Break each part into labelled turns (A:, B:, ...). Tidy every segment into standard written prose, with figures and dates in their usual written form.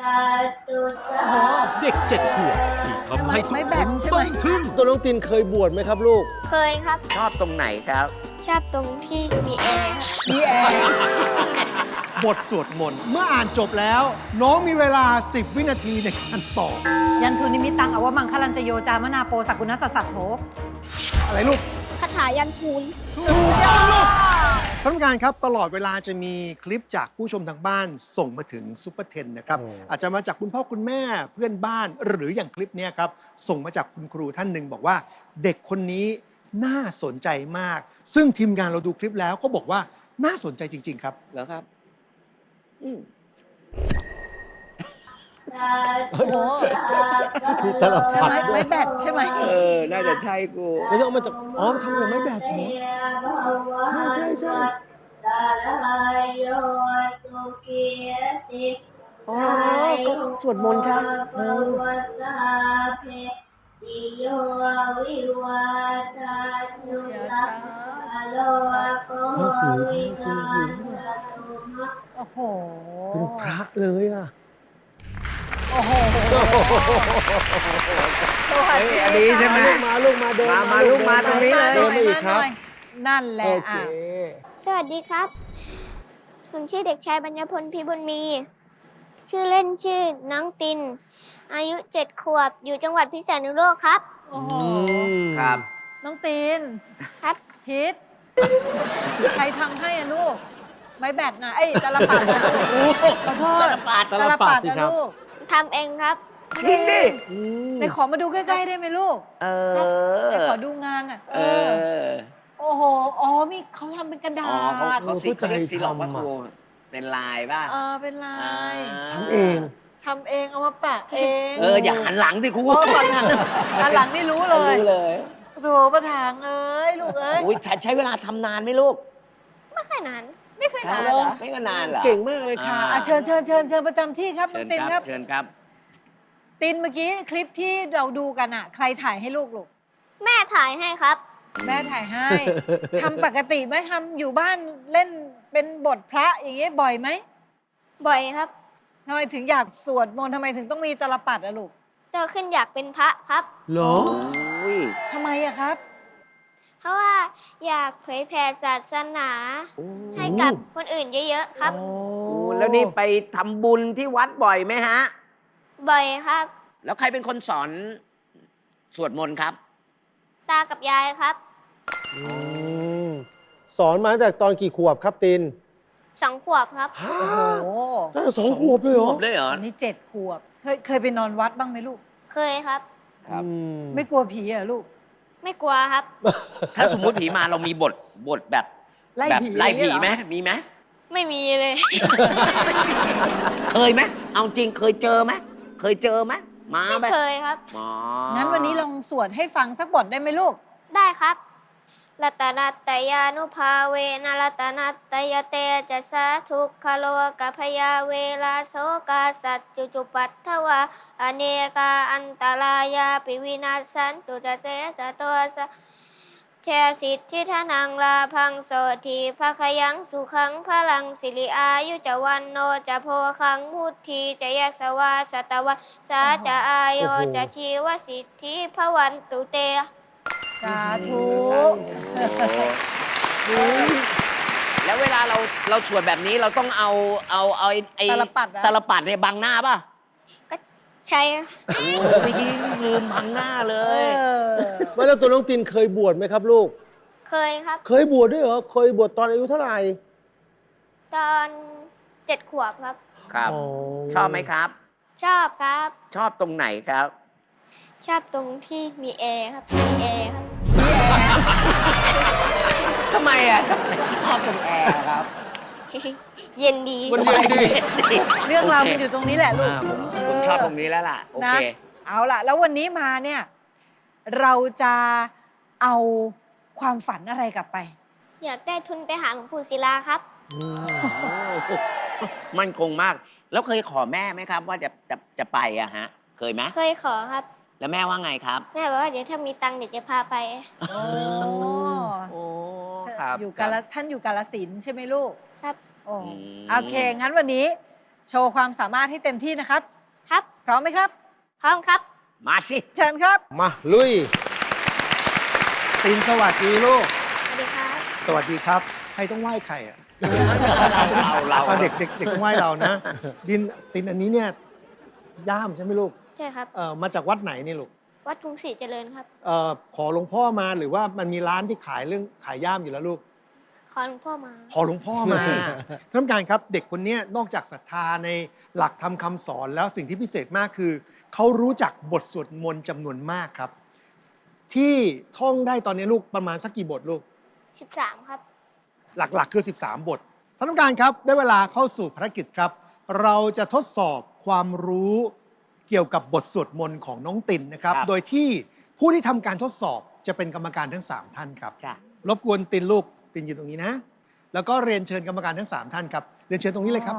A: โอ้โหเด็ก7 ขวบที่ทำให้ทุกคนต้องทึ่ง
B: ตัวน้องตินเคยบวชไหมครับลูก
C: เคยครับ
D: ชอบตรงไหนครับ
C: ชอบตรงที่มีแอร์ครับ
E: มีแอร์
F: บทสวดมนต์เมื่ออ่านจบแล้ว น้องมีเวลา 10 วินาทีในการตอบ
E: ยันทุนิมิตังอวมังคลันจโยจามนาโปสักกุณสัสสัทโธ
F: อะไรลูก
C: คาถายันทูล
F: ถูกต้องลูกท่านผู้การครับตลอดเวลาจะมีคลิปจากผู้ชมทางบ้านส่งมาถึงซุปเปอร์เทนนะครับ อาจจะมาจากคุณพ่อคุณแม่เพื่อนบ้าน หรืออย่างคลิปเนี้ยครับ ส่งมาจากคุณครูท่านหนึ่งบอกว่า เด็กคนนี้น่าสนใจมาก ซึ่งทีมงานเราดูคลิปแล้วก็บอกว่าน่าสนใจจริง ๆ ครับ
D: แล้วครับ
E: โอ้โห
B: ตลับผัด
E: ไม่แบตใช่ไหม
D: น่าจะใช่กู
B: ไม่ต้องเอามาจากอ๋อทำอย่างไม่แบบเหรอใช่ใช่
D: อ๋อก็สวดมนต์ใช่
E: โอ้โห
B: เป็นพระเลยอ่ะ
E: โอ้โหสวัสดี
D: อันนี้ใช่ไหม
B: ลูกมาเดิน
D: มาลูกมาตรงนี้เลย
B: เดินมาอีกครับ
E: นั่นแหละ
B: โอเค
E: อ่ะ
C: สวัสดีครับ ผมชื่อเด็กชายบัญญพลพิบุญมี ชื่อเล่นชื่อน้องติน อายุ 7 ขวบ อยู่จังหวัดพิษณุโลกครับ
E: โอ้โห
D: ครับ
E: น้องตีน
C: ครับ
E: ทิศใครทำให้อะลูก ไม้แบตนะไอ้ยตาลปัดนะลูกขอโทษ
D: ตาลปัด
E: ตาลปัดนะลูก
C: ทำเองครับ
D: จริงดิ
E: ไหนขอมาดูใกล้ๆได้ไหมลูก
D: เอ
E: ไหน
D: อ
E: ขอดูงานอ่ะ
D: เออ
E: โอ้โห อ๋อ มีเขาทำเป็นกระดา
D: อ๋อ
E: ษ
D: เขาซิกเขาเรียกซีล็อกป่ะครูเป็นลายป่ะ
E: เป็นลาย
B: ทำเอง
E: ทำเองเอามาแปะเอง
D: อย่าหันหลังสิครู
E: ก่อนหลังอันหลังนี่รู้เลย
D: รู้เลย
E: โถประธานเอ้ยลูกเอ้ย
D: อุ้ยใช้เวลาทำนานไหมลูก
C: ไม่ค่อยนาน
E: ไม่เคยนานเหรอ
D: ไม่ก็นานเหรอ
B: เก่งมากเลยค่ะ
E: เชิญประจำที่ครับน้
D: เชิ
E: อง
D: ญ
E: ติน
D: ค
E: ค
D: รั
E: รั
D: บบ เชิญครับ
E: ตินเมื่อกี้คลิปที่เราดูกันอ่ะ ใครถ่ายให้ลูก
C: แม่ถ่ายให้ครับ
E: แม่ถ่ายให้ ทำปกติไหมทำอยู่บ้านเล่นเป็นบทพระอย่างเงี้ยบ่อยไหม
C: บ่อยครับ
E: ทำไมถึงอยากสวดมนต์ทำไมถึงต้องมีตาลปัดอะลูก
C: โตขึ้นอยากเป็นพระครับ
B: เหรอ
D: อุ้ย
E: ทำไมอะครับ
C: เพราะว่าอยากเผยแผ่ศาสนา ให้กับคนอื่นเยอะๆครับ
D: แล้วนี่ไปทำบุญที่วัดบ่อยไหมฮะ
C: บ่อยครับ
D: แล้วใครเป็นคนสอนสวดมนต์ครับ
C: ตากับยายครับ
B: สอนมาตั้งแต่ตอนกี่ขวบครับติน
C: 2 ขวบครับ
E: โอ้โห
B: ตั้งแต่2 ขวบเลยเหรอ
D: เลยเหรอ
E: อันนี้7 ขวบ เคยไปนอนวัดบ้างไหมลูก
C: เคยครับ
D: ครับ
E: ไม่กลัวผีเหรอลูก
C: ไม่กลัวครับ
D: ถ้าสมมุติผีมาเรามีบทแบบ
E: ไล่
D: แบบ
E: ผี
D: ไล่ผี
E: อย่าง
D: ไหม
E: เงี้ยเหรอ
D: มีไหม
C: ไม่มีเลย
D: เคยไหมเอาจริงเคยเจอไหมเคยเจอไหมมา
C: ไม่
D: ไหม
C: เคยครับ
D: อ๋อ
E: งั้นวันนี้ลองสวดให้ฟังสักบทได้ไหมลูก
C: ได้ครับรัตนัตตยานุภาเวนะรัตนัตตยเตจะสาทุกขโลกัพยาเวลาโสกาสัจจุจุปัตถวาอเนกาอันตรายาปิวินาศสันตุจะเสสะตัวสะเชสิทธิธนังลาพังโสทีภคยังสุขังพลังสิริอายุจะวันโนจะโพคังพุทธีจะยสวาสตวะสาจะอายโยจะชีวสิทธิพวันตุเต
E: สาธุ
D: แล้วเวลาเราสวดแบบนี้เราต้องเอาไอ้
E: ตาลปัดอะ
D: ตาลปัดเนี่ยบังหน้าป่ะ
C: ก็ใช่
D: โอ้เมื่อกี้ลืมบังหน้าเล
E: เอย อ
B: ไม่แล้วตัวน้องตินเคยบวชไหมครับลูก
C: เคยครับ
B: เคยบวชด้วยเหรอ เคยบวชตอนอายุเท่าไหร่
C: ตอน 7 ขวบครับ
D: ครับ
B: อ๋อ
D: ชอบไหมครับ
C: ชอบครับ
D: ชอบตรงไหนครับ
C: ชอบตรงที่มีแอร์ครับ มีแอร์ครับ
D: ทำไมอ่ะทำไมชอบตรงแอร์ครับ
C: เย็นดี
F: มันเย็นดี
E: เรื่องราวมันอยู่ตรงนี้แหละลูก
D: ผมชอบตรงนี้แล้วล่ะ โอ
E: นะ
D: เค
E: เอาล่ะ แล้ววันนี้มาเนี่ย เราจะเอาความฝันอะไรกลับไป
C: อยากได้ทุนไปหาหลวงปู่ศิลาครับ
D: มั่นคงมาก แล้วเคยขอแม่ไหมครับ ว่าจะไปอะฮะ เคยไหม
C: เคยขอครับ
D: แล้วแม่ว่าไงครับ
C: แม่บอกว่าเดี๋ยวถ้ามีตังค์เดี๋ยวจะพาไป
E: โอ้
D: โอ้ครับ
E: อยู่กาลท่านอยู่กาลสินธุ์ใช่ไหมลูก
C: ครับ
E: โอ้
D: อืม
E: โอเค งั้นวันนี้โชว์ความสามารถให้เต็มที่นะครับ
C: ครับ
E: พร้อมไหมครับ
C: พร้อมครับ
D: มาสิ
E: เชิญครับ
B: มาลุย
F: ตินสวัสดีลูก
C: สวัสดีครับ
F: สวัสดีครับ ใครต้องไหว้ใครอ่ะ
D: เรา
F: เด็กต้องไหว้เรานะ ตินอันนี้เนี่ยย่ามใช่ไหมลูก
C: ใช่ครับ
F: มาจากวัดไหนนี่ลูก
C: วัดกรุงศรีเจริญครับ
F: ขอหลวงพ่อมาหรือว่ามันมีร้านที่ขายย่ามอยู่แล้วลูก
C: ขอหลวงพ่อมา
F: ขอหลวงพ่อมา ท่านผู้การครับเด็กคนเนี้ยนอกจากศรัทธาในหลักธรรมคำสอนแล้วสิ่งที่พิเศษมากคือ เขารู้จักบทสวดมนต์จำนวนมากครับ ที่ท่องได้ตอนนี้ลูกประมาณสักกี่บทลูก
C: 13 ครับ
F: หลักๆคือ 13 บท ท่านผู้การครับ ได้เวลาเข้าสู่ภารกิจครับ เราจะทดสอบความรู้เกี่ยวกับบทสวดมนต์ของน้องตินนะครับ โดยที่ผู้ที่ทำการทดสอบจะเป็นกรรมการทั้ง 3 ท่านครับ
D: จ้ะ
F: รบกวนตินลูกตินอยู่ตรงนี้นะ แล้วก็เรียนเชิญกรรมการทั้ง 3 ท่านครับ เรียนเชิญตรงนี้เลยครับ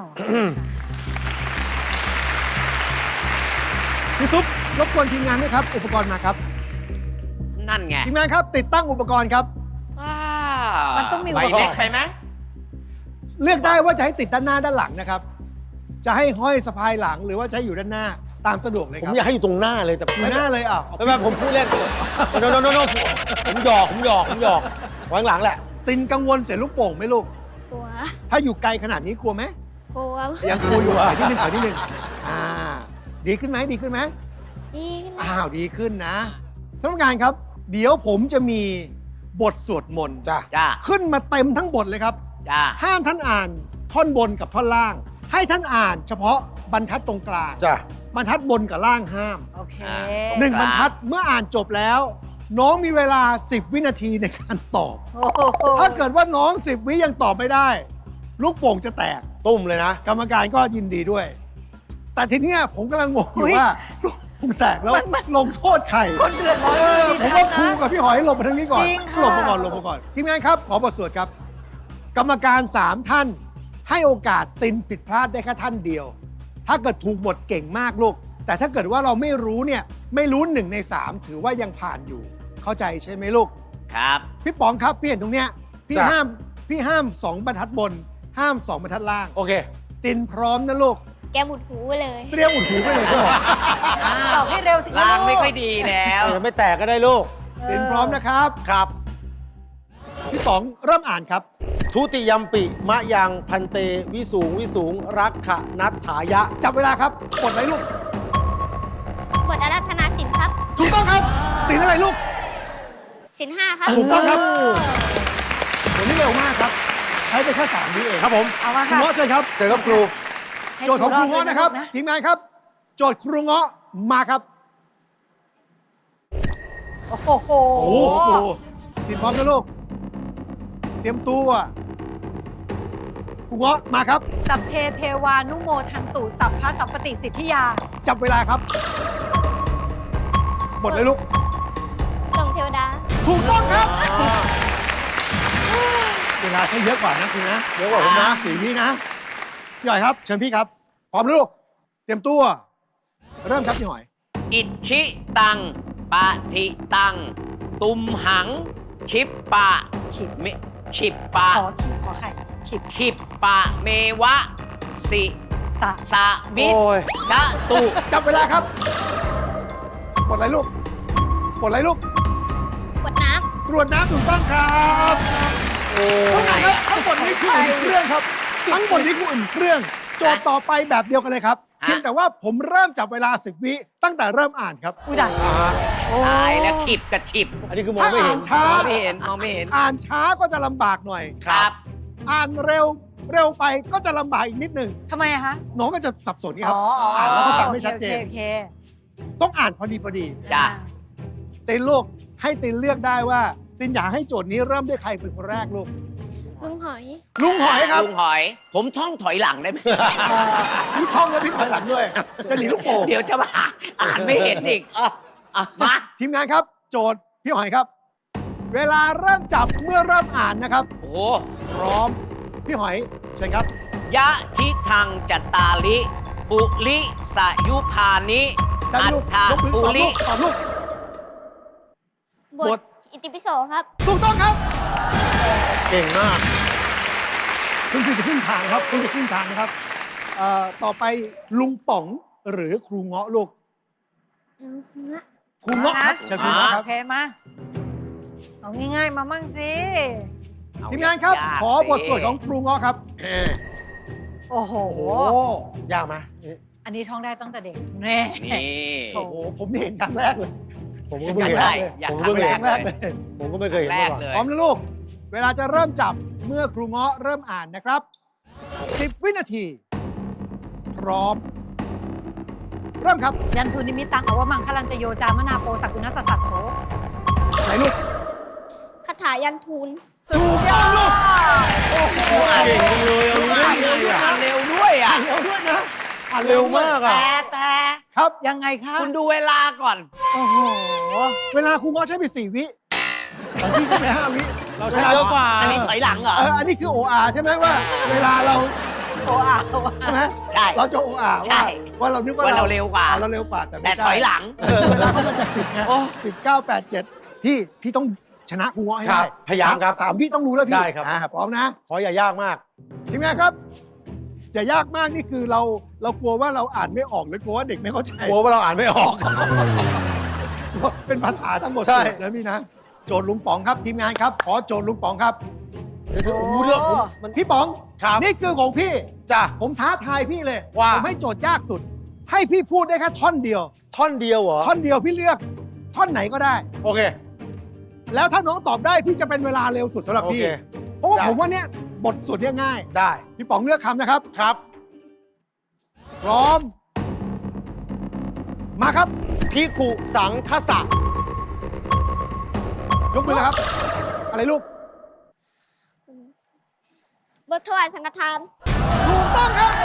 F: พี่ซุปรบกวนทีมงานด้วยครับ อุปกรณ์มาครับ
D: นั่นไง
F: ทีมงานครับ ติดตั้งอุปกรณ์ครับ
E: มันต้องมี
D: ใบเล็กไปไหม
F: เลือกได้ว่าจะให้ติดด้านหน้าด้านหลังนะครับ จะให้ห้อยสะพายหลังหรือว่าใช้อยู่ด้านหน้าตามสะดวกเลย
B: ผม
F: ครับ
B: อยากให้อยู่ตรงหน้าเลยแต่
F: อยู่หน้าเลยอ่ะ
B: ไม่ไม่ผมพูดเล่นโนผมหยอกไว้ข้างหลังแหละ
F: ตินกังวลเสียลูกโป่งไหมลูก
C: กลัว
F: ถ้าอยู่ไกลขนาดนี้กลัวไหม
C: กลัว
F: ยังกลัวอยู่ถอยนิดนึงถอยนิดนึงดีขึ้นไหมดีขึ้นไหม
C: ดีขึ้นไหม
F: ดีขึ้นนะท่านผู้การครับ เดี๋ยวผมจะมีบทสวดมนต์
B: จ้ะ
D: จ้า
F: ขึ้นมาเต็มทั้งบทเลยครับ
D: จ้า
F: ห้ามท่านอ่านท่อนบนกับท่อนล่าง ให้ท่านอ่านเฉพาะบรรทัดตรงกลาง
B: จ้ะ
F: บรรทัดบนกับล่างห้าม
E: โอเค
F: หนึ่งบรรทัดเมื่ออ่านจบแล้ว น้องมีเวลา 10 วินาทีในการตอบ
E: โอ้โห
F: ถ้าเกิดว่าน้อง 10 วิยังตอบไม่ได้ ลูกโป่งจะแตก
B: ตุ้มเลยนะ
F: กรรมการก็ยินดีด้วย แต่ทีเนี้ยผมกำลังงงอยู่ว่าลูกโป่งแตกแล้วลงโทษใคร
E: คนเดือดร้อน
F: ผมว่าครูกับพี่หอยหลบมาทางนี้ก่อน
E: จริงค่ะ
F: หลบมาก่อนทีมงานครับขอบทสวดครับ กรรมการ 3 ท่าน ให้โอกาสตินผิดพลาดได้แค่ท่านเดียว ถ้าเกิดถูกหมดเก่งมากลูก แต่ถ้าเกิดว่าเราไม่รู้เนี่ยไม่รู้1 ใน 3 ถือว่ายังผ่านอยู่ เข้าใจใช่ไหมลูก
D: ครับ
F: พี่ป๋องครับพี่เห็นตรงเนี้ยพี่
B: จ้ะ
F: ห้าม2 บรรทัดบน ห้าม 2 บรรทัดล่าง
B: โอเค
F: ตินพร้อมนะลูก
C: แกบุดหูไปเลย
F: เตรียมอุดหูไปเลยพี่ป๋อง
E: ตอบให้เร็วสิคะ
D: ล้าง
E: ลูก
D: ไม่ค่อยดีแล้ว
B: ยังไม่แตกก็ได้ลูก
F: ตินพร้อมนะครับ
B: ครับ
F: พี่ป๋องเริ่มอ่านครับ
B: ทุติยมปิมะยังพันเตวิสูงรักขะนัตถายะ
F: จับเวลาครับกดเลยลูก
C: บทอารัธนาสินครับ
F: ถูกต้องครับสินอะไรลูก
C: สิน5ครับ
F: ถูกต้องครับวันนี้เร็วมากครับ ใช้ไปแค่3 วิเอง
B: ครับผม
E: เอามา
F: ครู
E: ค่ะ
F: เงาะเชิญครับ
B: เจอครับครู
E: ให้
F: โจทย์ของครูเงาะนะครับ
E: นะ
F: ทีมงานครับ โจทย์ครูเงาะมาครับ
E: โอ้โห
F: โอ้โหครูทีมพร้อมนะลูก เตรียมตัวครูเงาะมาครับ
E: สัพเพเทวานุโมทันตุสัพพะสัมปติสิทธิยา
F: จับเวลาครับหมดเลยลูก
C: ส่งเทวดา
F: ถูกต้องครับ เวลาใช้เยอะกว่านะคุณนะ
B: เยอะกว่าผมนะ
F: 4 วินะพี่หอยครับ เชิญพี่ครับ พร้อมนะลูก เตรียมตัว เริ่มครับพี่หอย
D: อิชิตังปะทิตัง ตุมหัง ชิปปะ
E: ขิบ
D: มิชิปปะ
E: ขอขิบขอไข่ขิบ
D: ขิปปะเมวะ สิ
E: สะ
D: สะบิด
B: โอ้ย
D: ชะตุ
F: จับเวลาครับกดอะไรลูกกดอะไรลูก
C: กดน้
F: ตรวจน้ำถูกต้องครับ
B: โอ้
F: ทั้งหมดนี้คืออุ่นเครื่องครับ ทั้งหมดนี้คืออุ่นเครื่อง โจทย์ต่อไปแบบเดียวกันเลยครับ เพียงแต่ว่าผมเริ่มจับเวลา 10 วิตั้งแต่เริ่มอ่านครับ
E: อุ้ยดังโอ้
D: ตายแล้วขิบกับฉิบ
B: อันนี้คือมองไม่เห็น
F: ช้า
D: มองไม่เห็นมองไม่เห็น
F: อ่านช้าก็จะลำบากหน่อย
D: ครับ
F: อ่านเร็วไปก็จะลำบากอีกนิดหนึ่ง
E: ทำไมอะคะ
F: น้องก็จะสับสนนี่ครับ
E: อ๋อ
F: อ่านแล้วก็ฟังไม่ชัดเจน
E: โอเค
F: ต้องอ่านพอดี
D: จ้ะ
F: ตินลูกให้ตินเลือกได้ว่า ตินอยากให้โจทย์นี้เริ่มด้วยใครเป็นคนแรกลูก
C: ำลุงหอย
F: ลุงหอยครับ
D: ลุงหอย ผมท่องถอยหลังได้ไหม
F: พี่ท่องแล้วพี่ถอยหลังด้วย จะหนีลูกโป่ง
D: เดี๋ยวจะมาอ่านไม่เห็นอีกมา
F: ทีมงานครับ โจทย์พี่หอยครับ เวลาเริ่มจับเมื่อเริ่มอ่านนะครับ
D: โอ้โห
F: พร้อม พี่หอยเชิญครับ
D: ยะทิทังจัตตาลิ ปุลิสายุพานิ
F: ได้
D: อั
F: ลู
D: ฏ
F: ก
D: ฐาย
F: กมือ
D: ปุ
F: ตอบ
D: ลิ
F: ลูกตอบลูก
C: บบ ท
F: ท
C: อิติปิโสครับ
F: ถูกต้องครับ
B: เก่งมาก
F: คุณคือจะขึ้นทางครับคุณจะขึ้นทางนะครับต่อไปลุงป๋องหรือครูเงาะลูก ครูเงาะครับเชิญครูเงาะค
E: โอ
F: รับ
E: เคมาเอาง่ายๆมามั่งสิ
D: เอ
F: ทีมงานครับ
D: ยกๆ
F: ขอบท
D: สิ
F: สวดของครูเงาะครับ
E: โอ้โห
B: โอ้ยากไหม
E: อันนี้ท่องได้ตั้งแต่เด็กแน่
D: นี่
F: โอ้โหผมนี่เห็นครั้งแรกเลย
B: ผมก็เพิ่งเห็น
D: ใช่อยาก
B: ผม
D: ทำ
B: ก็เพิ่ง
D: แร
B: เห็
D: ก
B: น
F: ครั้งแรก
D: เล
F: เลย ย
B: ผมก็ไม่เคยเห็น
D: แร
B: มาก ก่อน
D: เลย
F: พร้อมนะลูก เวลาจะเริ่มจับเมื่อครูเงาะเริ่มอ่านนะครับ 10 วินาที พร้อม เริ่มครับ
E: ยันทุนิมิตังอวมังคลันจโยจามนาโปสักกุณสสสัตโถ
F: ไหนลูก
C: คาถายันทูล
E: สุดยอด
B: เก่งจังเลยเอารู้ได้ไงอ่ะ
D: อ่านเร็วด้วยอ่ะ
F: เร็วด้วยนะ
B: อ่านเร็วมากอ่ะ
D: แต่
F: ครับ
E: ยังไงคะ
D: คุณดูเวลาก่อน
E: โอ้โห
F: เวลาครูเงาะใช้ไป4 วิของพี่ใช่ไหม5 วิ
B: เราใช้เยอะกว่า
D: อันนี้ถอยหลังเหรอ
F: อันนี้คือ OR ใช่ไหมว่า เวลาเรา
E: โอ้อาโอ้
F: ใช่ไหม
D: ใช่
F: เราจะ OR
D: ใช่
F: ว่าเรานึกว่า
D: ว่าเราเร็วกว่า
F: เราเร็วกว่าแต่
D: แต่
F: ไม่ใช่
D: ถอยหลัง
F: เวลาเขามันจะ10ไง
D: โอ้
F: 19 8 7พี่ต้องชนะครูเงาะให้
B: ครั
F: ได้
B: บพยายามครับ
F: สามวิต้องรู้แล้วพี่
B: ได้ครับ
F: พร้อมนะ
B: ขออย่ายากมาก
F: ทีมงานครับอย่ายากมากนี่คือเรากลัวว่าเราอ่านไม่ออกหรือกลัวว่าเด็กไม่เข้าใจ
B: กลัวว่าเราอ่านไม่ออก
F: เป็นภาษาทั้งหมด
B: ใช่
F: สูตรนะพี่นะโจทย์ลุงป๋องครับทีมงานครับ ขอโจทย์ลุงป๋องครับ
B: โอ้โหเรื่องผมมัน
F: พี่ป๋อง
B: ครับ
F: นี่คือของพี่
B: จ้ะ
F: ผมท้าทายพี่เลย
B: ว่า
F: ผมให้โจทย์ยากสุด ให้พี่พูดได้แค่ท่อนเดียว
B: ท่อนเดียวเหรอ
F: ท่อนเดียวพี่เลือกท่อนไหนก็ได้
B: โอเค
F: แล้วถ้าน้องตอบได้พี่จะเป็นเวลาเร็วสุดสำหรับ
B: โอ
F: พี่
B: เค
F: เพราะว่า
B: ได้
F: ผมว่าเนี่ยบทสุดเนี่ยง่าย
B: ได้
F: พี่ป๋องเลือกคำนะครับ
B: ครับ
F: พร้อม มาครับ
B: พิคุสังคสะ
F: ยกมือเลยครับ อะไรลูก
C: บทถวายสังฆทาน
F: ถูกต้องครับ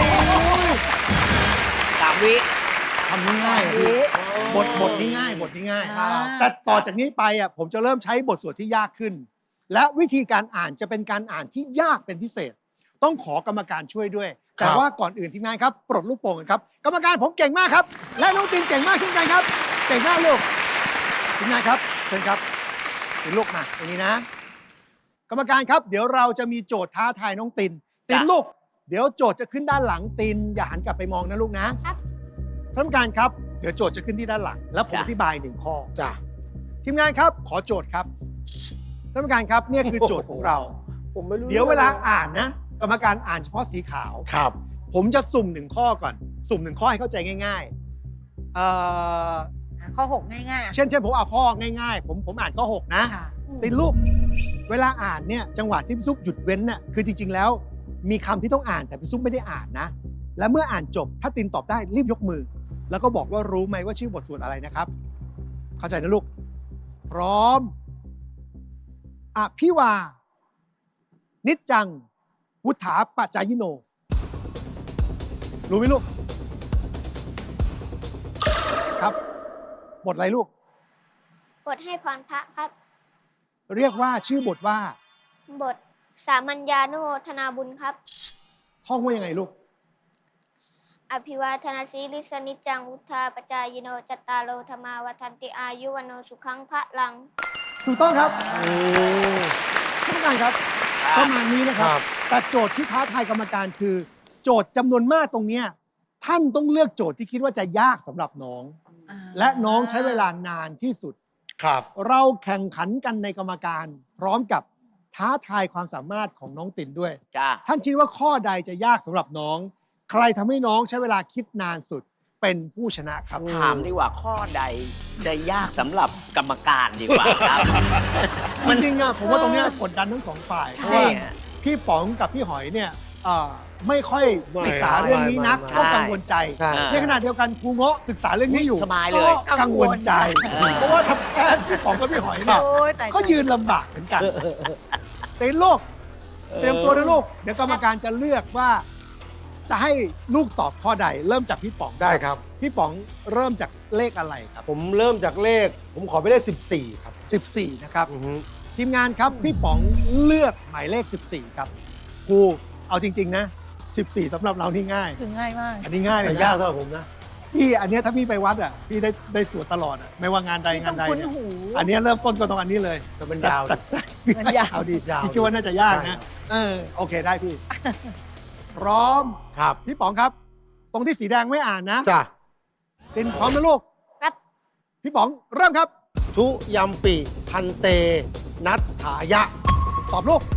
D: 3 วิ
F: ทำง่ายๆพี่บทนี้ง่ายบทนี้ง่าย
E: อ่า
F: แต่ต่อจากนี้ไปอ่ะผมจะเริ่มใช้บทสวดที่ยากขึ้น และวิธีการอ่านจะเป็นการอ่านที่ยากเป็นพิเศษ ต้องขอกรรมการช่วยด้วย แต่ว่าก่อนอื่นทีมงานครับปลดลูกโป่งกันครับ กรรมการผมเก่งมากครับ และน้องตินเก่งมากเช่นกันครับ เก่งมากลูกทีมงานครับเชิญครับตินลูกมาตรงนี้นะ กรรมการครับ เดี๋ยวเราจะมีโจทย์ท้าทายน้องตินลูก เดี๋ยวโจทย์จะขึ้นด้านหลังตินอย่าหันกลับไปมองนะลูกนะครับ ท่านกรรมการครับเดี๋ยวโจทย์จะขึ้นที่ด้านหลัง แล้วผมอธิบาย1 ข้อ
B: จ้ะ
F: ทีมงานครับขอโจทย์ครับท่านกรรมการครับเนี่ยคือโจทย์ของเรา
B: ผมไม่รู้
F: เดี๋ยวเวลาอ่านนะ กรรมการอ่านเฉพาะสีขาว
B: ครับ
F: ผมจะสุ่ม1 ข้อก่อน สุ่ม1 ข้อให้เข้าใจง่ายๆ
E: ข้อ 6 ง่ายๆ
F: เช่นผมเอาข้อง่ายๆ ผมอ่านข้อ 6 นะ
E: ค่ะ
F: ติดรูปเวลาอ่านเนี่ยจังหวะที่พี่ซุปหยุดเว้นน่ะคือจริง ๆ แล้ว มีคำที่ต้องอ่านแต่พี่ซุปไม่ได้อ่านนะ และเมื่ออ่านจบถ้าตินตอบได้รีบยกมือ แล้วก็บอกว่ารู้ไหมว่าชื่อบทสวดอะไรนะครับ เข้าใจนะลูก พร้อมอภิวา นิจจัง วุฒาปัจจายโน รู้ไหมลูก ครับ บทอะไรลูก
C: บทให้พรพระครับ
F: เรียกว่าชื่อบทว่า
C: บทสามัญญานุโมทนาบุญครับ
F: ท่องว่ายังไงลูก
C: อภิวาทนาสีลิสนิจจังวุธาปจายโนจตตารโลธรรมาวัฒนติอายุวโนสุขังพระลัง
F: ถูกต้องครับท่านผู้การครับประมาณนี้นะครับ
B: ครับ
F: แต่โจทย์ที่ท้าทายกรรมการคือ โจทย์จำนวนมากตรงเนี้ยท่านต้องเลือกโจทย์ที่คิดว่าจะยากสำหรับน้อง และน้องใช้เวลานานที่สุด
B: ครับ
F: เราแข่งขันกันในกรรมการ พร้อมกับท้าทายความสามารถของน้องตินด้วย
D: จ้า
F: ท่านคิดว่าข้อใดจะยากสำหรับน้อง ใครทำให้น้องใช้เวลาคิดนานสุดเป็นผู้ชนะครับ
D: ถามดีกว่าข้อใดจะยากสำหรับกรรมการดีกว่าครับ
F: จริงๆอะผมว่าตรงเนี้ยกดดันทั้งสองฝ่ายเพ
D: ใช่
F: ราะว่าพี่ป๋องกับพี่หอยเนี่ยไม่ค่อยศึกษาเรื่องนี้นัก
B: ไม่
F: ก็กังวลใจ
B: ใช่
F: ในขณะเดียวกันครูเงาะศึกษาเรื่องนี้อยู่
D: สบายเลย
F: ก็กังวลใจ
D: เออ
F: เพราะว่าทำแอนพี่ป๋องกับพี่หอยเนี่ย
E: โอ้ยตาย
F: ก็ยืนลำบากเหมือนกันเต้นลูกเตรียมตัวนะลูกเดี๋ยวกรรมการจะเลือกว่าจะให้ลูกตอบข้อใด เริ่มจากพี่ป๋อง
B: ได้ครับ
F: พี่ป๋องเริ่มจากเลขอะไรครับ
B: ผมเริ่มจากเลข ผมขอไปเลข 14 ครับ
F: 14นะครับ
B: อือฮึ
F: ทีมงานครับพี่ป๋องเลือกหมายเลข 14 ครับครูเอาจริง ๆ นะ 14สำหรับเรานี่ง่าย
E: คือง่ายมาก
F: อันนี้ง่ายเล
B: แต่
F: ย
B: ยาก
F: นะ
B: สำหรับผมนะ
F: พี่อันเนี้ยถ้าพี่ไปวัดอ่ะพี่ได้สวดตลอดอ่ะไม่ว่างานใดงานใด
E: ต้องคุ้น
F: เนี่ย
E: หู
F: อันเนี้ยเริ่มต้นก็ตรงอันนี้เลย
B: แต่มันยาว
F: แต่
E: มันยาว
F: เอาดี
B: ยาว
F: พี่คิดว่าน่าจะยาก
B: ใช่
F: นะโอเคได้พี่พร้อม
B: ครับ
F: พี่ป๋องครับ ตรงที่สีแดงไม่อ่านนะ
B: จ้ะ
F: ตินพร้อมนะลูก
C: ครับ
F: พี่ป๋องเริ่มครับ
B: ทุยัมปิพันเต นัทถายะ
F: ตอบลูก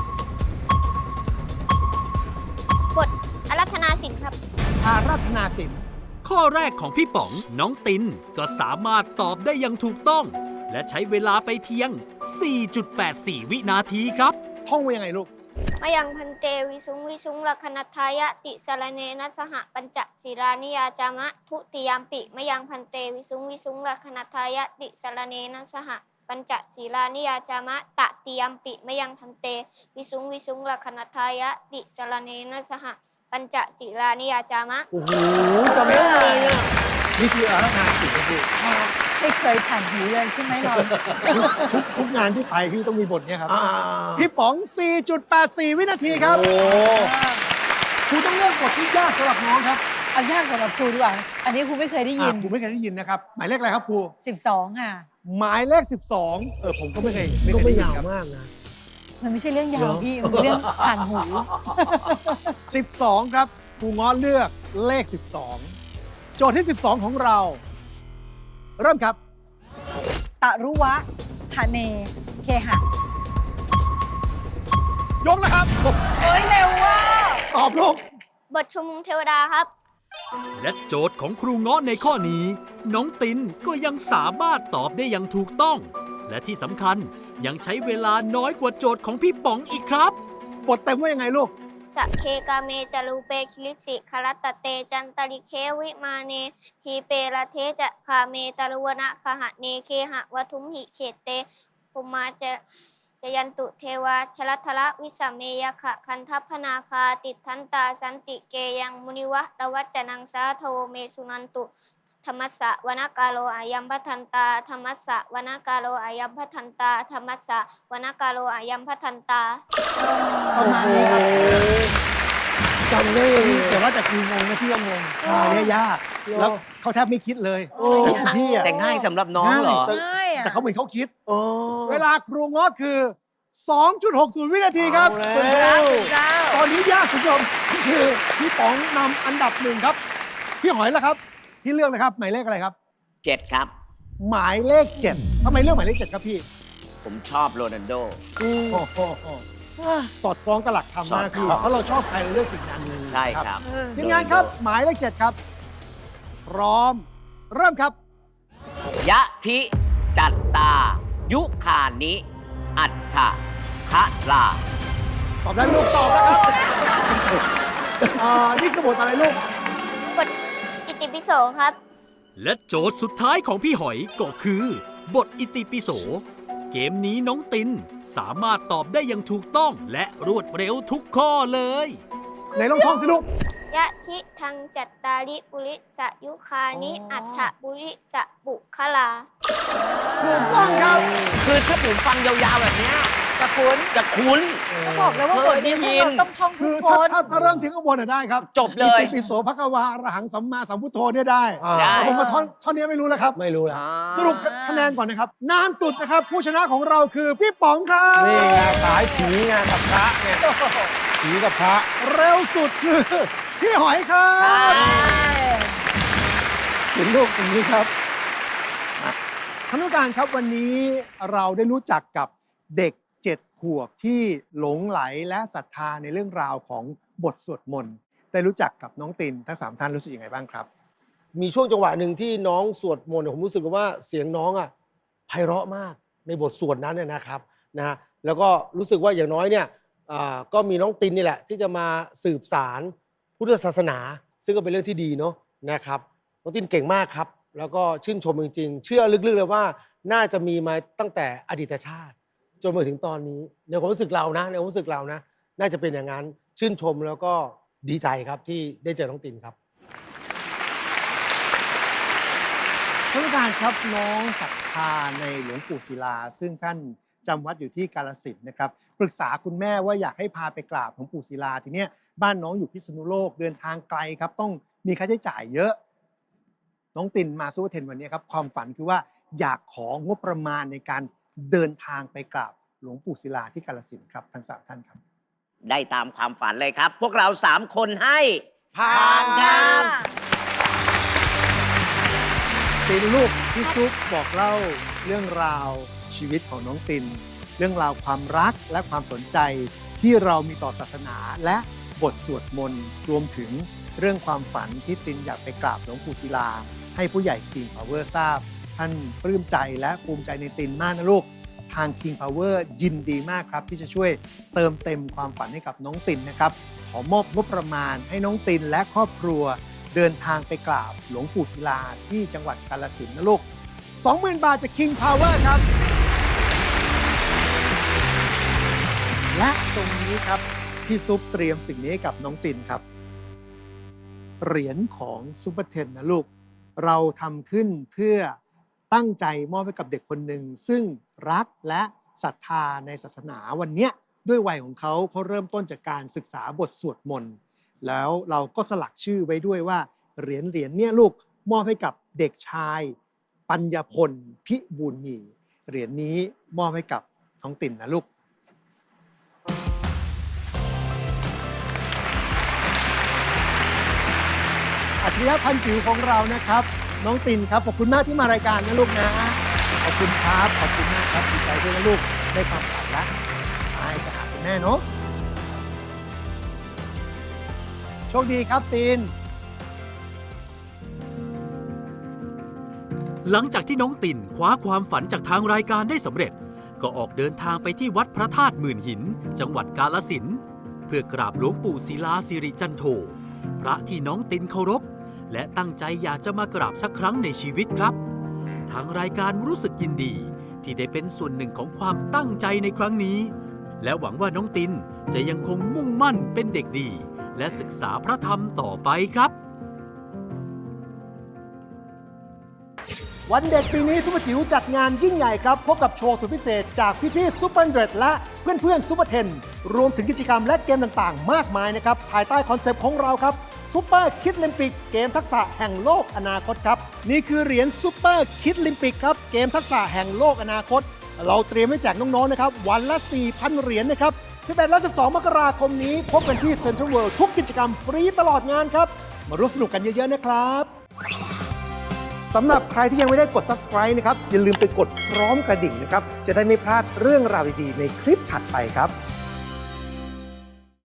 C: บทอารัธนาสินครับ
F: อาราธนาสิน
A: ข้อแรกของพี่ป๋องน้องตินก็สามารถตอบได้อย่างถูกต้อง และใช้เวลาไปเพียง 4.84 วินาทีครับ
F: ท่องไว้ยังไงลูก
C: มายังพันเตวิสุงวิสุงลัคนัทายะติสรเนนะสหปัญจศีลานิยาจามะทุติยามปิมายังพันเตวิสุงวิสุงลัคนัทายะติสรเนนะสหปัญจศีลานิยาจามะตติยามปิมายังพันเตวิสุงวิสุงลัคนัทายะติสรเนนะสหปัญจศีลานิยาจามะ
B: โอ้โหจำได้เลยอ่ะ
F: นี่คืออาราธนาสินคือ
E: ไม่เคยผ่านหูเลยใช่ไหมเรา
F: ทุกงานที่ไปพี่ต้องมีบทเนี้ยครับ
B: อ่า
F: พี่ป๋อง 4.84 วินาทีครับ
B: โอ้
F: ครูต้องเลือกบทที่ยากสำหรับน้องครับ
E: เอายากสำหรับครูดีกว่า อันนี้ครูไม่เคยได้ยิน
F: ครูไม่เคยได้ยินนะครับ หมายเลขอะไรครับครู
E: 12 ค่ะ
F: หมายเลข 12 ผมก็ไม่เคย
B: ก็
F: เค
B: ไม่
F: ยได้ยิน
B: ยาว
F: ครับ
B: มากนะ
E: มันไม่ใช่เรื่องยาว
B: เหรอ
E: พี่ มันเป็นเรื่องผ่านหู
F: 12 ครับครูง้อเลือกเลข 12 โจทย์ที่ 12 ของเรา เริ่มครับ
E: ตะรุวะหะเน เคหะ
F: ยกนะครับ
E: เฮ้ย เร็วว่ะ
F: ตอบลูก
C: บทชุมนุมเทวดาครับ
A: และโจทย์ของครูเงาะในข้อนี้ น้องตินก็ยังสามารถตอบได้อย่างถูกต้อง และที่สำคัญยังใช้เวลาน้อยกว่าโจทย์ของพี่ป๋องอีกครับ
F: บทเต็มว่ายังไงลูก
C: สะเคกาเมจารูเปคิลิสิคารัตตะเตจันตริเควิมาเนทีเประเทจะคาเมตารุวนะคหะเนเคหะวัทุมหิเขตเตภูมาจะยันตุเทวาชลัทละวิสเมยขะคันทัพพนาคาติทันตาสันติเกยังมุนิวะระวัจจนังสาโทเมสุนันตุธรรมัสสะวนากาโลอายัมพัทันตาธรรมัสสะวนากาโลอายัมพัทันตาธรรมัสสะวนากาโลอายัมพัทันตา
F: ประมาณนี้ครับ
B: จำได้เลย
F: แต่ว่าแต่ครูงงนะพี่ว่างงอันนี้ยาก แล้วเขาแทบไม่คิดเลย
B: โอ้
F: พี่อะ
D: แต่ง่ายสำหรับน้องเหรอ
E: ง่ายอ่ะ
F: แต่เขาเหมือนเขาคิด
B: โอ้
F: เวลาครูง้อคือ 2.60 วินาทีครับ
B: เอาแล้ว
F: ตอนนี้ยากคุณผู้ชมคือพี่ป๋องนำอันดับ 1 ครับ พี่หอยล่ะครับ พี่เลือกเลยครับ หมายเลขอะไรครับ
D: 7 ครับ
F: หมายเลข 7ทำไมเลือกหมายเลข 7 ครับพี่
D: ผมชอบโรนัลโด
F: โอ้โหสอดคล้องกับหลักธรรมมาก
D: สอดคล้
F: พี่
D: อง
F: เพราะเราชอบใครเราเลือกสิ่งนั้น
D: ใช่ครับ
F: ทีมงานครับ หมายเลข 7 ครับ พร้อม เริ่มครับ
D: ยะทิจัตตา ยุคานิ อัฏฐคะลา
F: ตอบได้ไหมลูกตอบนะครับนี่คือบทอะไรลูก
C: บทอิติปิโสครับ
A: และโจทย์สุดท้ายของพี่หอยก็คือ บทอิติปิโส เกมนี้น้องตินสามารถตอบได้อย่างถูกต้องและรวดเร็วทุกข้อเลย
F: ไหนลองท่องสิลูก
C: ยะทิทังจัตตาริปุริสยุคานิอัฏฐบุริสบุคลา
F: ถูกต้องครับ
D: คือถ้าผมฟังยาวๆแบบเนี้ย
E: จะคุ้น
D: จะคุ้น
E: ก็บอกแล้วว่าบทนี้พวกเราต้องท่องทุ
F: คื
E: ก
F: อ
E: ค
F: ถ้าน เริ่มถึงข้างบนน่ะได้ครับ
D: จบเลย
F: อิติปิโสภควาอรหังสัมมาสัมพุทโธเนี่ยได้
D: ได้
F: แต่ผมมาท่อนนี้ไม่รู้แล้วครับ
B: ไม่รู้ละ
F: สรุปคะแนนก่อนนะครับ นานสุดนะครับ ผู้ชนะของเราคือพี่ป๋องครับ
B: นี่ไงสายผีไงกับพระไงผีกับพระ
F: เร็วสุดคือพี่หอยครับถึงลูกตรงนี้ครับท่านผู้การครับวันนี้เราได้รู้จักกับเด็ก7 ขวบที่หลงไหลและศรัทธาในเรื่องราวของบทสวดมนต์ได้รู้จักกับน้องตินทั้ง3ท่านรู้สึกยังไงบ้างครับ
B: มีช่วงจังหวะหนึ่งที่น้องสวดมนต์ผมรู้สึกว่าเสียงน้องอ่ะไพเราะมากในบทสวดนั้นเนี่ยนะครับนะฮะแล้วก็รู้สึกว่าอย่างน้อยเนี่ยก็มีน้องตินนี่แหละที่จะมาสืบสารพุทธศาสนา ซึ่งก็เป็นเรื่องที่ดีเนาะนะครับน้องตินเก่งมากครับแล้วก็ชื่นชมจริงๆเชื่อลึกๆเลยว่าน่าจะมีมาตั้งแต่อดีตชาติ จนมาถึงตอนนี้ในความรู้สึกเรานะในความรู้สึกเรานะน่าจะเป็นอย่างนั้นชื่นชมแล้วก็ดีใจครับที่ได้เจอน้องตินครับ
F: ท่านผู้การครับน้องศรัทธาในหลวงปู่ศิลา ซึ่งท่านจำวัดอยู่ที่กาฬสินธุ์นะครับปรึกษาคุณแม่ว่าอยากให้พาไปกราบหลวงปู่ศิลาทีเนี้ยบ้านน้องอยู่พิษณุโลกเดินทางไกลครับต้องมีค่าใช้จ่ายเยอะ น้องตินมาซูเปอร์เทนวันนี้ครับความฝันคือว่าอยากของบประมาณในการเดินทางไปกราบหลวงปู่ศิลาที่กาฬสินธุ์ครับทั้ง3ท่านครับ
D: ได้ตามความฝันเลยครับ พวกเรา 3 คนให้
B: ผ่าน
D: ครับ
F: ตินลูกพี่ซุปบอกเล่าเรื่องราวชีวิตของน้องติน เรื่องราวความรักและความสนใจที่เรามีต่อศาสนาและบทสวดมนต์รวมถึงเรื่องความฝันที่ตินอยากไปกราบหลวงปู่ศิลา ให้ผู้ใหญ่ King Power ทราบ ท่านปลื้มใจและภูมิใจในตินมากนะลูก ทาง King Power ยินดีมากครับ ที่จะช่วยเติมเต็มความฝันให้กับน้องตินนะครับ ขอมอบงบประมาณให้น้องตินและครอบครัว เดินทางไปกราบหลวงปู่ศิลาที่จังหวัดกาฬสินธุ์นะลูก 20,000 บาทจาก King Power ครับ และตรงนี้ครับพี่ซุปเตรียมสิ่งนี้ให้กับน้องตินครับ เหรียญของซุปเปอร์เทนนะลูก เราทำขึ้นเพื่อตั้งใจมอบให้กับเด็กคนหนึ่งซึ่งรักและศรัทธาในศาสนาวันเนี้ยด้วยวัยของเขาเริ่มต้นจากการศึกษาบทสวดมนต์แล้วเราก็สลักชื่อไว้ด้วยว่าเหรียญเนี่ยลูกมอบให้กับเด็กชายปัญญพลพิบูลมีเหรียญนี้มอบให้กับน้องตินนะลูก อัจฉริยะพันจิ๋วของเรานะครับ น้องตินครับขอบคุณมากที่มารายการนะลูกนะ ขอบคุณครับขอบคุณมากครับดีใจด้วยนะลูกได้ความฝันแล้วไปหาคุณแม่เนาะโชคดีครับติน
A: หลังจากที่น้องตินคว้าความฝันจากทางรายการได้สำเร็จ ก็ออกเดินทางไปที่วัดพระธาตุหมื่นหิน จังหวัดกาฬสินธุ์เพื่อกราบหลวงปู่ศิลาสิริจันโทพระที่น้องตินเคารพและตั้งใจอยากจะมากราบสักครั้งในชีวิตครับทางรายการรู้สึกยินดีที่ได้เป็นส่วนหนึ่งของความตั้งใจในครั้งนี้และหวังว่าน้องตินจะยังคงมุ่งมั่นเป็นเด็กดีและศึกษาพระธรรมต่อไปครับ
F: วันเด็กปีนี้ซุปเปอร์จิ๋วจัดงานยิ่งใหญ่ครับพบกับโชว์สุดพิเศษจากพี่ๆซุปเปอร์เดรดและเพื่อนๆซุปเปอร์เทนรวมถึงกิจกรรมและเกมต่างๆ มากมายนะครับภายใต้คอนเซปต์ของเราครับซุปเปอร์คิดลิมปิกเกมทักษะแห่งโลกอนาคตครับนี่คือเหรียญซุปเปอร์คิดลิมปิกครับเกมทักษะแห่งโลกอนาคต เราเตรียมไว้แจกน้องๆนะครับวันละ 4,000 เหรียญนะครับ11 และ 12 มกราคมนี้พบกันที่เซ็นทรัลเวิลด์ทุกกิจกรรมฟรีตลอดงานครับมาร่วมสนุกกันเยอะๆนะครับสำหรับใครที่ยังไม่ได้กด subscribe นะครับอย่าลืมไปกดพร้อมกระดิ่งนะครับจะได้ไม่พลาดเรื่องราวดีๆในคลิปถัดไปครับ